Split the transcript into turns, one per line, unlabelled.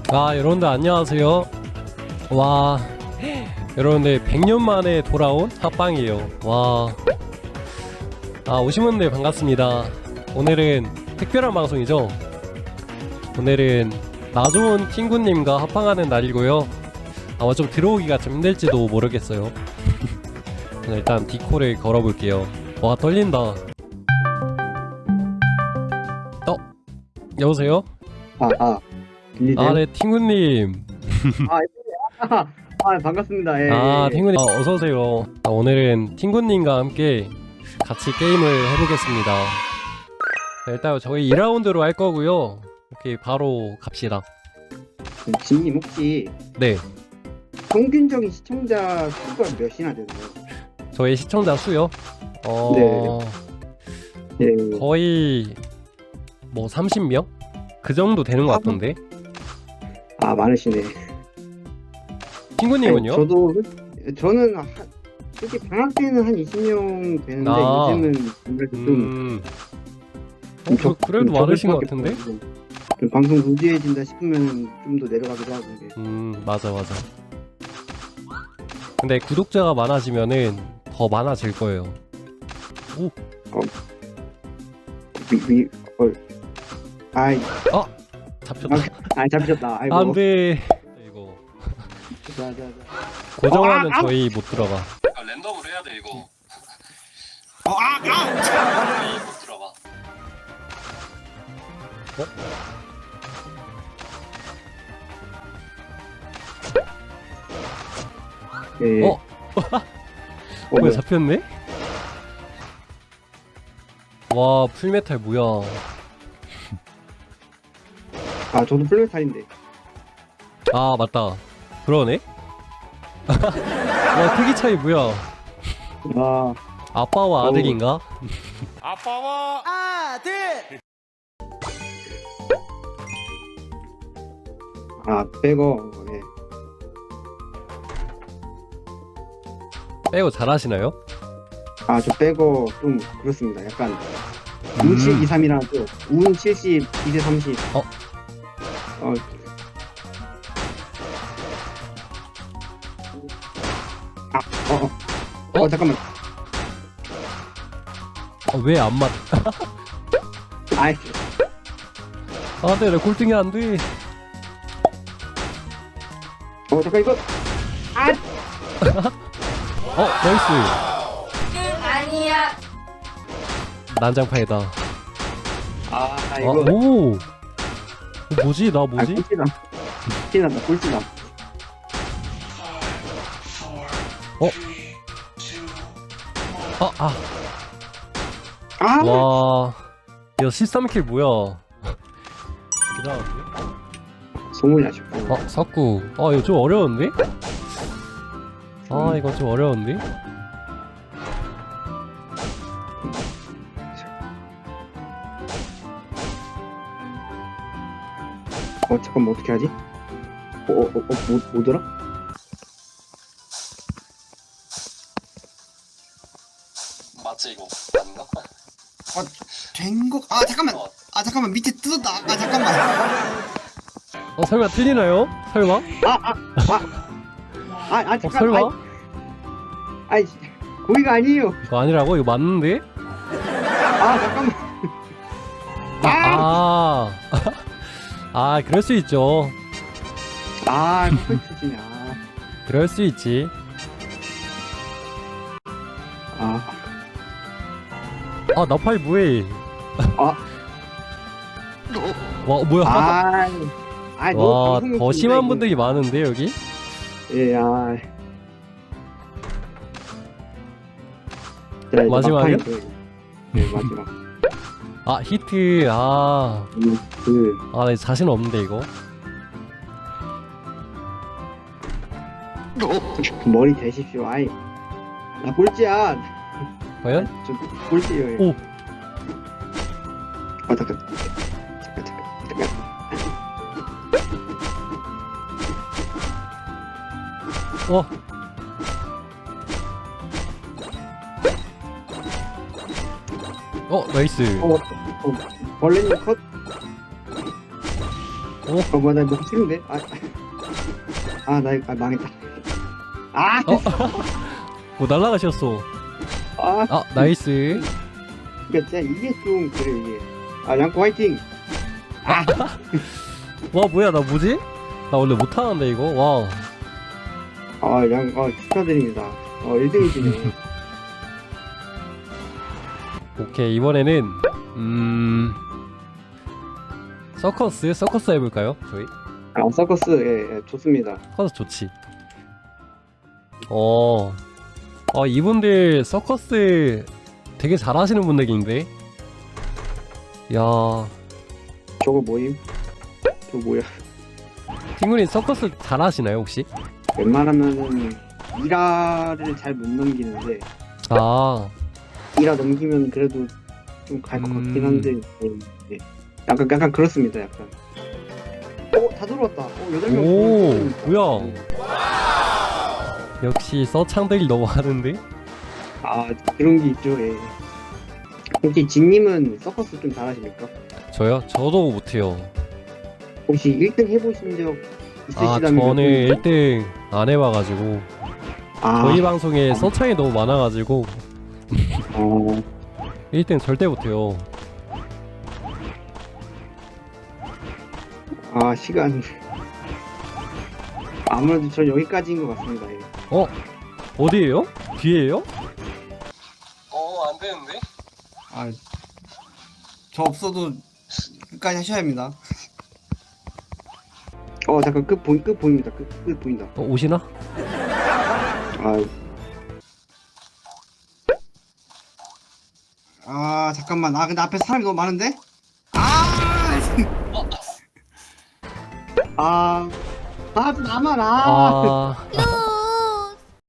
아, 여러분들 안녕하세요. 와, 여러분들 100년 만에 돌아온 합방이에요. 와, 오신 분들 반갑습니다. 오늘은 특별한 방송이죠. 오늘은 나좋은 친구님과 합방하는 날이고요. 아마 좀 들어오기가 좀 힘들지도 모르겠어요. 일단 디코를 걸어볼게요. 와, 떨린다. 여보세요?
들리세요?
네, 팅구님.
반갑습니다. 예, 예.
팅구님, 어서오세요. 오늘은 팅구님과 함께 같이 게임을 해보겠습니다. 자, 일단 저희 2라운드로 할 거고요. 오케이, 바로 갑시다.
진님 혹시
네,
평균적인 시청자 수가 몇이나 되나요?
저희 시청자 수요?
네.
거의 뭐 30명? 그 정도 되는 것 같던데.
많으시네.
팅구님은요?
저는 솔직히 방학 때는 한 20명 되는데 요즘은 아무래도
그래도 많으신 것 같은데?
좀 방송 루즈해진다 싶으면 좀 더 내려가기도 하고.
맞아. 근데 구독자가 많아지면은 더 많아질 거예요. 잡혔다.
잡히셨다. 아이고.
안돼. 이거
자.
고정하면 저희 못 들어가. 랜덤으로 해야 돼 이거. 저희 못 들어가.
네.
왜 잡혔네? 와, 풀메탈 뭐야?
저도 풀메탈인데.
맞다. 그러네. 와, 크기 차이 뭐야? 아빠와 아들인가?
아빠와 아들.
빼고. 네.
빼고 잘하시나요?
저 빼고 좀 그렇습니다. 약간 운 7, 2, 3이라고 운 70, 2대 30. 잠깐만.
왜 안 맞?
아이.
네, 내 골등이 안 돼.
잠깐 이거.
나이스.
아니야.
난장판이다.
이거.
오. 뭐지? 나 뭐지?
꼴찌다. 꼴찌다.
와. 야, 13킬 뭐야? 기다려.
소문이 나셨고.
석구. 이거 좀 어려운데? 이거 좀 어려운데?
잠깐만 어떻게 하지? 뭐더라?
맞지 이거 아닌가?
된거 잠깐만 밑에 뜯었다. 잠깐만.
설마 틀리나요? 설마?
잠깐.
설마?
거기가 아니에요.
이거 아니라고? 이거 맞는데?
잠깐만.
그럴 수 있죠.
꼴찌네.
그럴 수 있지. 나팔 뭐해? 와, 뭐야? 와, 더 심한 분들이 많은데 여기?
예,
마지막이요?
네, 마지막.
히트. 나 자신 없는데 이거.
머리 대십시오. 나 꼴찌야.
과연?
저 꼴찌예요.
오.
잠깐.
나이스.
벌레님 컷. 뭐야, 나 너무 싫은데? 망했다. 아!
뭐 날라가셨어.
아!
아 나이스.
그니까 진짜 이게 좀, 그래, 이게. 양코 화이팅!
와 뭐야 나 뭐지? 나 원래 못하는데 이거. 와.
축하드립니다. 1등이시네.
오케이 이번에는 서커스 해볼까요? 저희
서커스, 예, 좋습니다.
서커스 좋지. 이분들 서커스 되게 잘하시는 분들인데. 야
저거 뭐임? 저거 뭐야?
팅군이 서커스 잘하시나요 혹시?
웬만하면은, 1화를 잘 못 넘기는데,
아
1화 넘기면 그래도 좀 갈 것 같긴 한데, 예. 약간 그렇습니다, 약간. 다 들어왔다. 8명.
오, 뭐야. 역시 서창들이 너무 하는데?
그런 게 있죠, 예. 혹시 진님은 서커스 좀 잘하십니까?
저요? 저도 못해요.
혹시 1등 해보신 적 있으시다면?
저는 1등 안 해봐가지고 저희 방송에 서창이 너무 많아가지고 1등 절대 못해요.
시간. 아무래도 전 여기까지인 것 같습니다. 예.
어디에요? 뒤에요? 안 되는데?
저 없어도 끝까지 하셔야 합니다. 잠깐 끝 보입니다. 끝 보인다.
오시나?
잠깐만. 근데 앞에 사람이 너무 많은데? 나만.